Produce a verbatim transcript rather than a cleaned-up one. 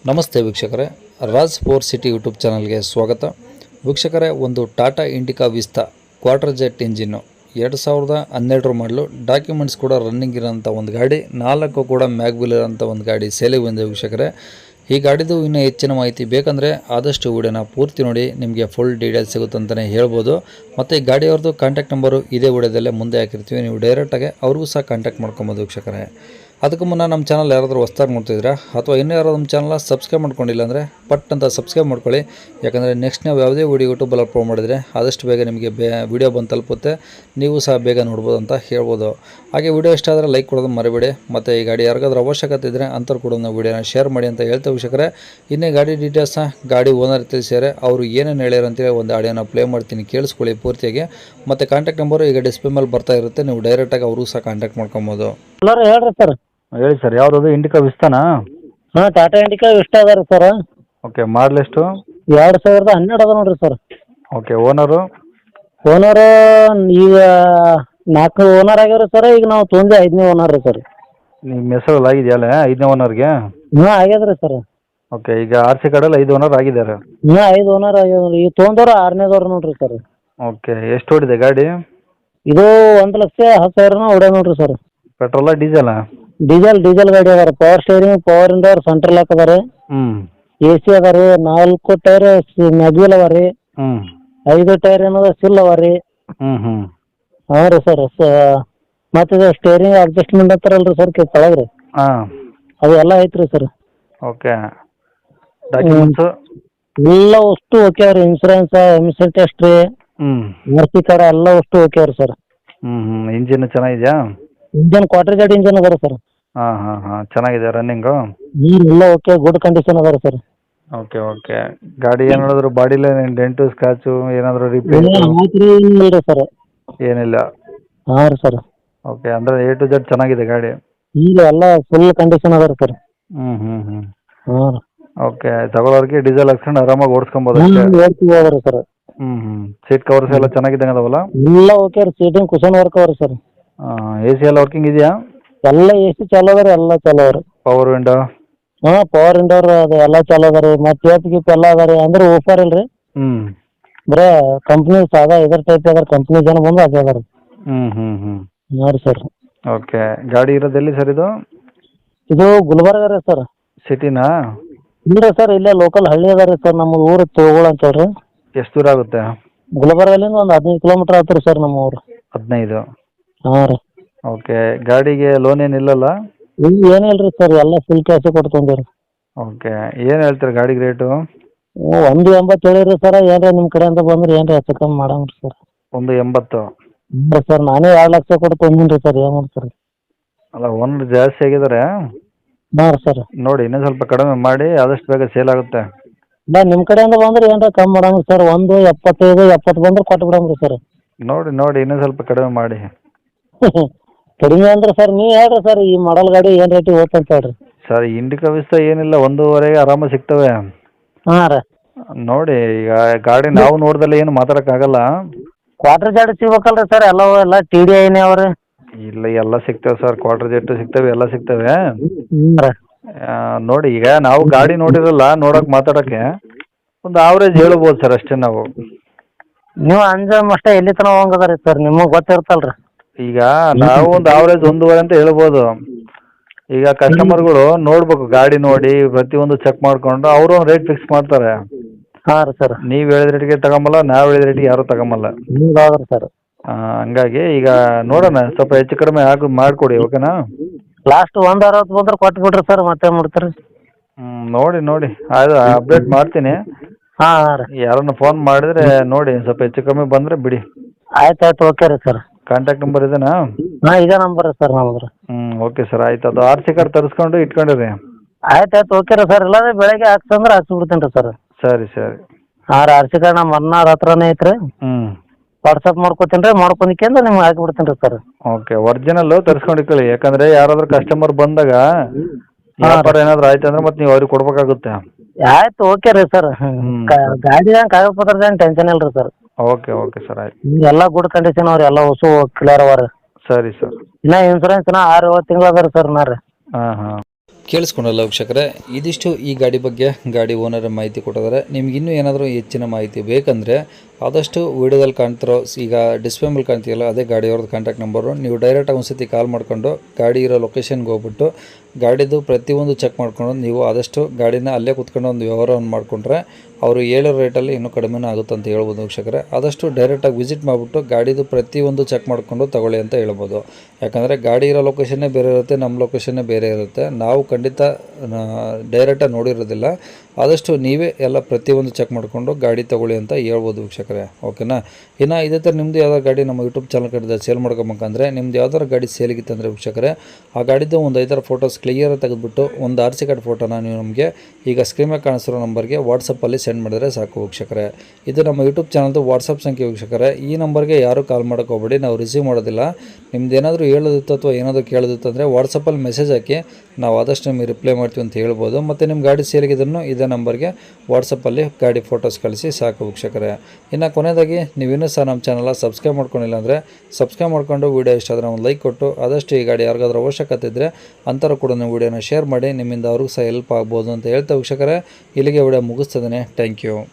ನಮಸ್ತೆ ವೀಕ್ಷಕರೇ, Raj four city YouTube ಚಾನಲ್ಗೆ ಸ್ವಾಗತ. ವೀಕ್ಷಕರೇ, ಒಂದು Tata Indica Vista quarter jet engine ಎರಡು ಸಾವಿರದ ಹನ್ನೆರಡರ ಮಾಡಲು, ಡಾಕ್ಯುಮೆಂಟ್ಸ್ ಕೂಡ ರನ್ನಿಂಗ್ ಇರೋಂಥ ಒಂದು ಗಾಡಿ, ನಾಲ್ಕು ಕೂಡ ಮ್ಯಾಗ್ವಿಲ್ ಇರೋಂಥ ಒಂದು ಗಾಡಿ ಸೇಲಿಗೆ ಬಂದಿದೆ ವೀಕ್ಷಕರೇ. ಈ ಗಾಡಿದು ಇನ್ನೂ ಹೆಚ್ಚಿನ ಮಾಹಿತಿ ಬೇಕಂದರೆ ಆದಷ್ಟು ವಿಡಿಯೋನ ಪೂರ್ತಿ ನೋಡಿ, ನಿಮಗೆ ಫುಲ್ ಡೀಟೇಲ್ಸ್ ಸಿಗುತ್ತೆ ಅಂತಲೇ ಹೇಳ್ಬೋದು. ಮತ್ತು ಈ ಗಾಡಿಯವ್ರದ್ದು ಕಾಂಟ್ಯಾಕ್ಟ್ ನಂಬರು ಇದೇ ವಿಡಿಯೋದಲ್ಲೇ ಮುಂದೆ ಹಾಕಿರ್ತೀವಿ, ನೀವು ಡೈರೆಕ್ಟಾಗಿ ಅವ್ರಿಗೂ ಸಹ ಕಾಂಟ್ಯಾಕ್ಟ್ ಮಾಡ್ಕೊಬೋದು ವೀಕ್ಷಕರೇ. ಅದಕ್ಕೂ ಮುನ್ನ ನಮ್ಮ ಚಾನಲ್ ಯಾರಾದರೂ ಹೊಸ್ದಾಗಿ ನೋಡ್ತಿದ್ದೀರಾ ಅಥವಾ ಇನ್ನೂ ಯಾರಾದರೂ ನಮ್ಮ ಚಾನಲ್ನ ಸಬ್ಸ್ಕ್ರೈಬ್ ಮಾಡ್ಕೊಂಡಿಲ್ಲ ಅಂದರೆ ಪಟ್ ಅಂತ ಸಬ್ಸ್ಕ್ರೈಬ್ ಮಾಡ್ಕೊಳ್ಳಿ. ಯಾಕಂದರೆ ನೆಕ್ಸ್ಟ್ ನಾವು ಯಾವುದೇ ವೀಡಿಯೋ ಯೂಟ್ಯೂಬಲ್ಲಿ ಅಪ್ಲೋಡ್ ಮಾಡಿದರೆ ಆದಷ್ಟು ಬೇಗ ನಿಮಗೆ ಬೇ ವೀಡಿಯೋ ಬಂದು ತಲುಪುತ್ತೆ, ನೀವು ಸಹ ಬೇಗ ನೋಡ್ಬೋದು ಅಂತ ಹೇಳ್ಬೋದು. ಹಾಗೆ ವಿಡಿಯೋ ಇಷ್ಟ ಆದರೆ ಲೈಕ್ ಕೊಡೋದು ಮರಿಬೇಡಿ. ಮತ್ತು ಈ ಗಾಡಿ ಯಾರಿಗಾದ್ರೂ ಅವಶ್ಯಕತೆ ಇದ್ದರೆ ಅಂಥವ್ರು ಕೂಡ ನಾವು ವೀಡಿಯೋನ ಶೇರ್ ಮಾಡಿ ಅಂತ ಹೇಳ್ತೇವೆ ವೀಕ್ಷಕರೇ. ಇನ್ನೇ ಗಾಡಿ ಡೀಟೇಲ್ಸ್ನ ಗಾಡಿ ಓನರ್ ತಿಳಿಸಿದರೆ ಅವರು ಏನೇನು ಹೇಳ್ಯಾರ ಅಂತೇಳಿ ಒಂದು ಆಡಿಯೋನ ಪ್ಲೇ ಮಾಡ್ತೀನಿ, ಕೇಳಿಸ್ಕೊಳ್ಳಿ ಪೂರ್ತಿಯಾಗಿ. ಮತ್ತು ಕಾಂಟ್ಯಾಕ್ಟ್ ನಂಬರು ಈಗ ಡಿಸ್ಪ್ಲೇ ಮೇಲೆ ಬರ್ತಾ ಇರುತ್ತೆ, ನೀವು ಡೈರೆಕ್ಟಾಗಿ ಅವ್ರಿಗೂ ಸಹ ಕಾಂಟ್ಯಾಕ್ಟ್ ಮಾಡ್ಕೊಬೋದು. ಎಲ್ಲರೂ ಹೇಳ್ರಿ ಸರ್. ಹೇಳಿ ಸರ್, ಯಾವ್ದು ಇಂಡಿಕಾ ವಿಸ್ತಾನಾ? ಹಾಂ, ಟಾಟಾ ಇಂಡಿಕಾ ಇಷ್ಟ ಅದ ರೀ ಸರ್. ಓಕೆ, ಮಾಡಲ್ ಎಷ್ಟು? ಎರಡು ಸಾವಿರದ ಹನ್ನೆರಡು ಅದ ನೋಡ್ರಿ ಸರ್. Okay, owner? ಓನರ್ ಈಗ ನಾಲ್ಕು ಓನರ್ ಆಗ್ಯಾವ್ರಿ ಸರ್. ಈಗ ನಾವು ತೊಂದೆ ಐದನೇ ಓನರ್ ರೀ ಸರ್. ನಿಮ್ಮ ಹೆಸರಲ್ಲಿ ಆಗಿದೆಯಲ್ಲ ಐದನೇ ಓನರ್ಗೆ? ಹ್ಞೂ ಆಗ್ಯದ ಸರ್. ಓಕೆ, ಈಗ ಆರ್ ಸಿ ಕಾರ್ಡಲ್ಲಿ ಐದು ಓನರ್ ಆಗಿದ್ದಾರೆ? ಹ್ಞೂ ಐದು ಓನರ್ ಆಗ್ಯಾವ. ಈಗ ತೊಗೊಂಡವ್ರು ಆರನೇದವ್ರು ನೋಡ್ರಿ ಸರ್. ಓಕೆ, ಎಷ್ಟು ಹೊಡಿದೆ ಗಾಡಿ? ಇದು ಒಂದು ಲಕ್ಷ ಹತ್ತು ಸಾವಿರನ ಹೊಡ್ಯಾವ ನೋಡ್ರಿ ಸರ್. ಪೆಟ್ರೋಲಾ ಡೀಸೆಲಾ? ಡೀಸೆಲ್ ಡೀಸೆಲ್ ಗಾಡಿ ಅದಾರ. Power steering, power window, central lock ಅದ ರೀ. ಹ್ಞೂ ಎ ಸಿ ಅದ ರೀ. ನಾಲ್ಕು ಟೈರ್ ಮ್ಯಾಗ್ವಿಲ್ ಅವ ರೀ. ಹ್ಞೂ ಐದು ಟೈರ್ ಏನದ ಸಿಲ್ ಅವ ರೀ. ಹ್ಞೂ ಹ್ಞೂ ಹಾಂ ರೀ ಸರ್. ಮತ್ತು ಇದು ಸ್ಟೇರಿಂಗ್ ಅಡ್ಜಸ್ಟ್ಮೆಂಟ್ ಅಂತಾರಲ್ಲ ರೀ ಸರ್ ಕೆಳಗೆ ರೀ, ಹಾಂ ಅದು ಎಲ್ಲ ಐತ್ರಿ ಸರ್. ಓಕೆ, ಡಾಕ್ಯುಮೆಂಟ್ಸು ಎಲ್ಲ ಅಷ್ಟು ಓಕೆ ರೀ. ಇನ್ಸೂರೆನ್ಸ್, ಎಮಿಷನ್ ಟೆಸ್ಟ್ ರೀ, ಹ್ಞೂ ಆರ್ ಸಿ ಕಾರ್ಡ್ ಎಲ್ಲ ಅಷ್ಟು ಓಕೆ ರೀ ಸರ್. ಹ್ಞೂ ಹ್ಞೂ ಇಂಜಿನ್ ಚೆನ್ನಾಗಿದೆಯಾ? ಇಂಜನ್ ಕ್ವಾರ್ಟರ್ ಜೆಟ್ ಇಂಜನ್ ಅದ ಸರ್. ಹಾಂ ಹಾಂ ಹಾಂ ಚೆನ್ನಾಗಿದೆ ರನ್ನಿಂಗು? ನೀರು ಎಲ್ಲ ಓಕೆ, ಗುಡ್ ಕಂಡೀಷನ್ ಅದ ಸರ್. ಓಕೆ ಓಕೆ, ಗಾಡಿ ಏನು ಹೇಳಿದ್ರು ಬಾಡಿಲೇ ಡೆಂಟು ಸ್ಕ್ರಾಚು ಏನಾದರೂ ರಿಪೇರಿ ಇಲ್ಲ ಸರ್. ಏನಿಲ್ಲ? ಹಾಂ ರೀ ಸರ್. ಓಕೆ, ಅಂದರೆ ಎ ಟು ಜೆಡ್ ಚೆನ್ನಾಗಿದೆ ಗಾಡಿ? ಈಗ ಎಲ್ಲ ಫುಲ್ ಕಂಡೀಷನ್ ಅದ ರೀ ಸರ್. ಹ್ಞೂ ಹ್ಞೂ ಹ್ಞೂ ಹಾಂ ರೀ. ಓಕೆ, ತಗೊಳ್ಳೋರಿಗೆ ಡೀಸೆಲ್ ಹಾಕ್ಸ್ಕೊಂಡು ಆರಾಮಾಗಿ ಓಡಿಸ್ಕೊಬೋದು ಅಷ್ಟೇ? ಓಡ್ತೀವಿ ಅದ ರೀ ಸರ್. ಹ್ಞೂ ಹ್ಞೂ ಸೀಟ್ ಕವರ್ಸ್ ಎಲ್ಲ ಚೆನ್ನಾಗಿದ್ದಂಗೆ ಅದಾವಲ್ಲ? ಎಲ್ಲ ಓಕೆ ರೀ. ಸೀಟಿಂಗ್ ಕುಷನ್ ವರ್ಕ್ ಅವ ರೀ ಸರ್. ಹಾಂ, ಎ ಸಿ ಎಲ್ಲ ವರ್ಕಿಂಗ್ ಇದೆಯಾ? ಎಲ್ಲ ಎ ಸಿ ಚಾಲು ಅದ ರೀ, ಎಲ್ಲ ಚಾಲು ಅದ ರೀ. Power window? ಹಾಂ, ಪವರ್ ಇಂಡೋರ್ ಅದು ಎಲ್ಲ ಚಾಲು ಅದ ರೀ. ಮತ್ತು ಟೇಪ್ ಗೀಪ್ ಎಲ್ಲ ಅದ ರೀ. ಅಂದ್ರೆ ಓಫರ್ ಇಲ್ಲ ರೀ, ಹ್ಞೂ ಬರೇ ಕಂಪ್ನಿ ಸಾದಾ ಇದ್ರ ಟೈಪ್ ಅದ. ಕಂಪ್ನಿ ಜನ ಬಂದು ಅದೇ ಅದ ರೀ. ಹ್ಞೂ ಹ್ಞೂ ಹ್ಞೂ ಹಾಂ ರೀ ಸರ್. ಓಕೆ, ಗಾಡಿ ಇರೋದು ಎಲ್ಲಿ ಸರ್ ಇದು? ಇದು ಗುಲ್ಬರ್ಗ ರೀ ಸರ್. ಸಿಟಿನಾ? ಇಲ್ಲ ಸರ್, ಇಲ್ಲೇ ಲೋಕಲ್ ಹಳ್ಳಿ ಅದ ರೀ ಸರ್. ನಮ್ಮ ಊರು ತೋಗೋಳ ಅಂತ ಹೇಳ್ರಿ. ಎಷ್ಟು ದೂರ ಆಗುತ್ತೆ? ಗುಲ್ಬರ್ಗಲಿಂದ ಒಂದು ಹದಿನೈದು ಕಿಲೋಮೀಟ್ರ್ ಆಯ್ತು ರೀ ಸರ್ ನಮ್ಮ ಊರು. ಹದಿನೈದು? ಹಾಂ ರೀ. ಓಕೆ, ಗಾಡಿಗೆ ಲೋನ್ ಏನಿಲ್ಲಲ್ಲ? ಈಗ ಏನಿಲ್ಲ ರೀ ಸರ್, ಎಲ್ಲ ಫುಲ್ ಕ್ಯಾಶೇ ಕೊಟ್ಟು ತೊಗೊಂಡಿರಿ. ಓಕೆ, ಏನು ಹೇಳ್ತೀರಿ ಗಾಡಿಗೆ ರೇಟು? ಒಂದು ಎಂಬತ್ತು ಹೇಳಿರಿ ಸರ್. ಏನ್ರಿ ನಿಮ್ಮ ಕಡೆಯಿಂದ ಬಂದ್ರೆ ಏನ್ರಿ ಹೆಚ್ಚು ಕಮ್ಮಿ ಮಾಡಂಗ್ ರೀ ಸರ್. ಒಂದು ಎಂಬತ್ತು? ಇಲ್ಲ ಸರ್, ನಾನೇ ಎರಡು ಲಕ್ಷ ಕೊಟ್ಟು ತೊಗೊಂಡಿನಿ ರೀ ಸರ್. ಏನು ಮಾಡ್ತಾರೆ? ಅಲ್ಲ, ಓನರ್ ಜಾಸ್ತಿ ಆಗಿದ್ದಾರೆ. ಹಾಂ ರೀ ಸರ್. ನೋಡಿ ಇನ್ನೂ ಸ್ವಲ್ಪ ಕಡಿಮೆ ಮಾಡಿ, ಆದಷ್ಟು ಬೇಗ ಸೇಲ್ ಆಗುತ್ತೆ. ಇಲ್ಲ, ನಿಮ್ಮ ಕಡೆಯಿಂದ ಬಂದ್ರೆ ಏನ್ರ ಕಮ್ಮಿ ಮಾಡಂಗ್ ಸರ್. ಒಂದು ಎಪ್ಪತ್ತೈದು ಎಪ್ಪತ್ತು ಬಂದ್ರೆ ಕೊಟ್ಟು ಬಿಡಂಗ್ರಿ ಸರ್. ನೋಡಿ ನೋಡಿ ಇನ್ನೂ ಸ್ವಲ್ಪ ಕಡಿಮೆ ಮಾಡಿ. ಕಡಿಮೆ ಅಂದ್ರೆ ಸರ್ ನೀವು ಹೇಳ್ರಿ ಸರ್, ಈ ಮಾಡಲ್ ಗಾಡಿ ಏನು ರೇಟಿಗೆ ಹೋಗ್ತ ಅಂತ ಹೇಳ್ರಿ. ಸರ್, ಇಂಡಿಕಾ ವಿಸ್ತಾ ಏನಿಲ್ಲ, ಒಂದೂವರೆಗೆ ಆರಾಮಾಗಿ ಸಿಗ್ತವೆ. ಹಾಂ ರೀ. ನೋಡಿ, ಈಗ ಗಾಡಿ ನಾವು ನೋಡ್ದಲ್ಲ ಏನು ಮಾತಾಡೋಕ್ಕಾಗಲ್ಲ. ಕ್ವಾರ್ಟರ್ ಜೆಡ್ ಸಿಗ್ಬೇಕಲ್ರಿ ಸರ್. ಎಲ್ಲ ಎಲ್ಲ ಟಿ ಡಿ ಐನೇ ಅವ್ರಿ. ಇಲ್ಲ, ಎಲ್ಲ ಸಿಗ್ತವೆ ಸರ್. ಕ್ವಾರ್ಟರ್ ಜೆಟ್ಟು ಸಿಗ್ತವೆ, ಎಲ್ಲ ಸಿಗ್ತವೆ. ಹ್ಞೂ ರೀ. ಆ, ನೋಡಿ, ಈಗ ನಾವು ಗಾಡಿ ನೋಡಿರಲ್ಲ, ನೋಡೋಕೆ ಮಾತಾಡೋಕ್ಕೆ ಒಂದು ಆವ್ರೇಜ್ ಹೇಳ್ಬೋದು ಸರ್, ಅಷ್ಟೇ ನಾವು. ನೀವು ಅಂಜಮ್ ಅಷ್ಟೇ ಎಲ್ಲಿ ತನಕ ಹೋಗಂಗದ ರೀ ಸರ್, ನಿಮಗೆ ಗೊತ್ತಿರ್ತಲ್ಲ ರೀ. ಈಗ ನಾವು ಒಂದು ಆವ್ರೇಜ್ ಒಂದೂವರೆ ಅಂತ ಹೇಳ್ಬೋದು. ಈಗ ಕಸ್ಟಮರ್ಗಳು ನೋಡ್ಬೇಕು, ಗಾಡಿ ನೋಡಿ ಪ್ರತಿಯೊಂದು ಚೆಕ್ ಮಾಡಿಕೊಂಡು ಅವರು ಒಂದು ರೇಟ್ ಫಿಕ್ಸ್ ಮಾಡ್ತಾರೆ. ಹಾಂ ರೀ ಸರ್. ನೀವು ಹೇಳಿದ ರೇಟಿಗೆ ತಗೊಂಬಲ್ಲ, ನಾವು ಹೇಳಿದ ರೇಟಿಗೆ ಯಾರೂ ತಗೊಂಬಲ್ಲ. ಹೌದ್ರಿ ಸರ್. ಹಂಗಾಗಿ ಈಗ ನೋಡೋಣ, ಸ್ವಲ್ಪ ಹೆಚ್ಚು ಕಡಿಮೆ ಆಗಿ ಮಾಡಿಕೊಡಿ, ಓಕೆನಾ? ಲಾಸ್ಟ್ ಒಂದು ಅರವತ್ತು ಬಂದ್ರೆ ಕೊಟ್ಟು ಬಿಡ್ರಿ ಸರ್, ಮತ್ತೆ ಮಾಡ್ತೀರಿ. ಹ್ಞೂ ನೋಡಿ ನೋಡಿ ಅದು ಅಪ್ಡೇಟ್ ಮಾಡ್ತೀನಿ. ಹಾಂ ಹಾಂ ರೀ. ಯಾರನ್ನ ಫೋನ್ ಮಾಡಿದ್ರೆ ನೋಡಿ, ಸ್ವಲ್ಪ ಹೆಚ್ಚು ಕಮ್ಮಿ ಬಂದರೆ ಬಿಡಿ. ಆಯ್ತು ಆಯ್ತು, ಓಕೆ ರೀ ಸರ್. ಕಾಂಟ್ಯಾಕ್ಟ್ ನಂಬರ್ ಇದೇನಾ? ಹಾಂ, ಇದೇ ನಂಬರ್ ರೀ ಸರ್ ನಮ್ಮದು. ಹ್ಞೂ ಓಕೆ ಸರ್, ಆಯ್ತು. ಅದು ಆರ್ ಸಿ ಕಾರ್ಡ್ ತರಿಸ್ಕೊಂಡು ಇಟ್ಕೊಂಡಿರಿ. ಆಯ್ತು ಆಯ್ತು, ಓಕೆ ರೀ ಸರ್. ಇಲ್ಲಾಂದ್ರೆ ಬೆಳಗ್ಗೆ ಹಾಕ್ಸಂದ್ರೆ ಹಾಕ್ಸ್ಬಿಡ್ತೀನಿ ರೀ ಸರ್. ಸರಿ ಸರಿ. ಹಾಂ ರೀ, ಆರ್ ಸಿ ಕಾರ್ಡ್ ನಮ್ಮ ಅಣ್ಣಾರ ಹತ್ರನೇ ಐತೆ ರೀ. ಹ್ಞೂ ವಾಟ್ಸಪ್ ಮಾಡ್ಕೊತೀನಿ ರೀ, ಮಾಡ್ಕೊಂಡಿಕ್ಕೆಂದ್ರೆ ನಿಮ್ಗೆ ಹಾಕಿಬಿಡ್ತೀನಿ ರೀ ಸರ್. ಓಕೆ, ಒರಿಜಿನಲ್ಲು ತರಿಸ್ಕೊಂಡು ಇಟ್ಕೊಳ್ಳಿ. ಯಾಕಂದರೆ ಯಾರಾದರೂ ಕಸ್ಟಮರ್ ಬಂದಾಗ ವ್ಯಾಪಾರ ಏನಾದರೂ ಆಯ್ತು ಅಂದ್ರೆ ಮತ್ತೆ ನೀವು ಅವ್ರಿಗೆ ಕೊಡ್ಬೇಕಾಗುತ್ತೆ. ಆಯ್ತು, ಓಕೆ ರೀ ಸರ್. ಗಾಡಿದಂಗೆ ಕಾಗದ ಪತ್ರದೇನು ಟೆನ್ಷನ್ ಇಲ್ಲ ರೀ ಸರ್. ಓಕೆ ಓಕೆ ಸರ್, ಆಯ್ತು. ಎಲ್ಲ ಗುಡ್ ಕಂಡೀಷನ್ ಅವ್ರಿ, ಎಲ್ಲ ಹೊಸ ಕ್ಲಿಯರ್ ಅವ ರೀ. ಸರಿ ಸರ್. ಇನ್ನ ಇನ್ಸೂರೆನ್ಸ್ ಇನ್ನ ಆರು ಏಳು ತಿಂಗಳು ಅದ ರೀ ಸರ್. ನಾ ರೀ ಹಾಂ ಹಾಂ ಕೇಳಿಸ್ಕೊಂಡಲ್ಲ ವೀಕ್ಷಕರೇ, ಇದಿಷ್ಟು ಈ ಗಾಡಿ ಬಗ್ಗೆ ಗಾಡಿ ಓನರ್ ಮಾಹಿತಿ ಕೊಟ್ಟಿದ್ದಾರೆ. ನಿಮ್ಗೆ ಇನ್ನೂ ಏನಾದರೂ ಹೆಚ್ಚಿನ ಮಾಹಿತಿ ಬೇಕಂದರೆ ಆದಷ್ಟು ವೀಡಿಯೋದಲ್ಲಿ ಕಾಣ್ತಿರೋ ಈಗ ಡಿಸ್ಪ್ಲೇ ಮೇಲೆ ಕಾಣ್ತೀಯಲ್ಲ ಅದೇ ಗಾಡಿಯವ್ರದ್ದು ಕಾಂಟ್ಯಾಕ್ಟ್ ನಂಬರು. ನೀವು ಡೈರೆಕ್ಟಾಗಿ ಒಂದು ಸತಿ ಕಾಲ್ ಮಾಡ್ಕೊಂಡು ಗಾಡಿ ಇರೋ ಲೊಕೇಶನ್ಗೆ ಹೋಗ್ಬಿಟ್ಟು ಗಾಡಿದು ಪ್ರತಿಯೊಂದು ಚೆಕ್ ಮಾಡ್ಕೊಂಡು ನೀವು ಆದಷ್ಟು ಗಾಡಿನ ಅಲ್ಲೇ ಕೂತ್ಕೊಂಡು ಒಂದು ವ್ಯವಹಾರವನ್ನು ಮಾಡಿಕೊಂಡ್ರೆ ಅವರು ಹೇಳೋ ರೇಟಲ್ಲಿ ಇನ್ನೂ ಕಡಿಮೆನೂ ಆಗುತ್ತೆ ಅಂತ ಹೇಳ್ಬೋದು ವೀಕ್ಷಕರೇ. ಆದಷ್ಟು ಡೈರೆಕ್ಟಾಗಿ ವಿಸಿಟ್ ಮಾಡಿಬಿಟ್ಟು ಗಾಡಿದು ಪ್ರತಿಯೊಂದು ಚೆಕ್ ಮಾಡಿಕೊಂಡು ತಗೊಳ್ಳಿ ಅಂತ ಹೇಳ್ಬೋದು. ಯಾಕಂದರೆ ಗಾಡಿ ಇರೋ ಲೊಕೇಶನ್ನೇ ಬೇರೆ ಇರುತ್ತೆ, ನಮ್ಮ ಲೊಕೇಶನ್ನೇ ಬೇರೆ ಇರುತ್ತೆ. ನಾವು ಖಂಡಿತ ಡೈರೆಕ್ಟಾಗಿ ನೋಡಿರೋದಿಲ್ಲ. ಆದಷ್ಟು ನೀವೇ ಎಲ್ಲ ಪ್ರತಿಯೊಂದು ಚೆಕ್ ಮಾಡಿಕೊಂಡು ಗಾಡಿ ತೊಗೊಳ್ಳಿ ಅಂತ ಹೇಳ್ಬೋದು ವೀಕ್ಷಕರೇ. ಓಕೆನಾ. ಇನ್ನು ಇದೇ ಥರ ನಿಮ್ಮದು ಯಾವ್ದಾರು ಗಾಡಿ ನಮ್ಮ ಯೂಟ್ಯೂಬ್ ಚಾನಲ್ ಕಡೆದ ಸೇಲ್ ಮಾಡ್ಕೊಬೇಕಂದ್ರೆ ನಿಮ್ದು ಯಾವ್ದಾರು ಗಾಡಿ ಸೇಲಿಗಿತ್ತಂದರೆ ವೀಕ್ಷಕರೇ ಆ ಗಾಡಿದು ಒಂದು ಐದಾರು ಫೋಟೋಸ್ ಕ್ಲಿಯರ್ ತೆಗೆದುಬಿಟ್ಟು ಒಂದು ಆರ್ ಸಿ ಕಾರ್ಡ್ ಫೋಟೋನ ನೀವು ನಮಗೆ ಈಗ ಸ್ಕ್ರೀನ್ ಮೇಲೆ ಕಾಣಿಸಿರೋ ನಂಬರ್ಗೆ ವಾಟ್ಸಪ್ಪಲ್ಲಿ ಸೆಂಡ್ ಮಾಡಿದರೆ ಸಾಕು ವೀಕ್ಷಕರೇ. ಇದು ನಮ್ಮ ಯೂಟ್ಯೂಬ್ ಚಾನಲ್ದು ವಾಟ್ಸಪ್ ಸಂಖ್ಯೆ ವೀಕ್ಷಕರೇ. ಈ ನಂಬರ್ಗೆ ಯಾರೂ ಕಾಲ್ ಮಾಡೋಕೆ ಹೋಗ್ಬೇಡಿ, ನಾವು ರಿಸೀವ್ ಮಾಡೋದಿಲ್ಲ. ನಿಮ್ದು ಏನಾದರೂ ಹೇಳೋದಿತ್ತು ಅಥವಾ ಏನಾದರೂ ಕೇಳೋದಿತ್ತು ಅಂದರೆ ವಾಟ್ಸಪ್ಪಲ್ಲಿ ಮೆಸೇಜ್ ಹಾಕಿ ನಾವು ಆದಷ್ಟು ನಿಮಗೆ ರಿಪ್ಲೈ ಮಾಡ್ತೀವಿ ಅಂತ ಹೇಳ್ಬೋದು. ಮತ್ತು ನಿಮ್ಮ ಗಾಡಿ ಸೇಲಿಗಿದ್ದನ್ನು ಇದೇ ನಂಬರ್ಗೆ ವಾಟ್ಸಪ್ಪಲ್ಲಿ ಗಾಡಿ ಫೋಟೋಸ್ ಕಳಿಸಿ ಸಾಕು ವೀಕ್ಷಕರೇ. ಇನ್ನು ಕೊನೆಯದಾಗಿ ನೀವಿನ್ನೂ ಸಹ ನಮ್ಮ ಚಾನಲ್ ಸಬ್ಸ್ಕ್ರೈಬ್ ಮಾಡ್ಕೊಂಡಿಲ್ಲ ಅಂದರೆ ಸಬ್ಸ್ಕ್ರೈಬ್ ಮಾಡ್ಕೊಂಡು ವೀಡಿಯೋ ಇಷ್ಟ ಆದರೆ ಒಂದು ಲೈಕ್ ಕೊಟ್ಟು ಆದಷ್ಟು ಈ ಗಾಡಿ ಯಾರಿಗಾದ್ರೂ ಅವಶ್ಯಕತೆ ಇದ್ದರೆ ಅಂಥವ್ರು ಕೂಡ ನೀವು ವೀಡಿಯೋನ ಶೇರ್ ಮಾಡಿ, ನಿಮ್ಮಿಂದ ಅವ್ರಿಗೂ ಸಹ ಹೆಲ್ಪ್ ಆಗ್ಬೋದು ಅಂತ ಹೇಳ್ತಾ ವೀಕ್ಷಕರೇ ಇಲ್ಲಿಗೆ ವಿಡಿಯೋ ಮುಗಿಸ್ತದೆ. Thank you.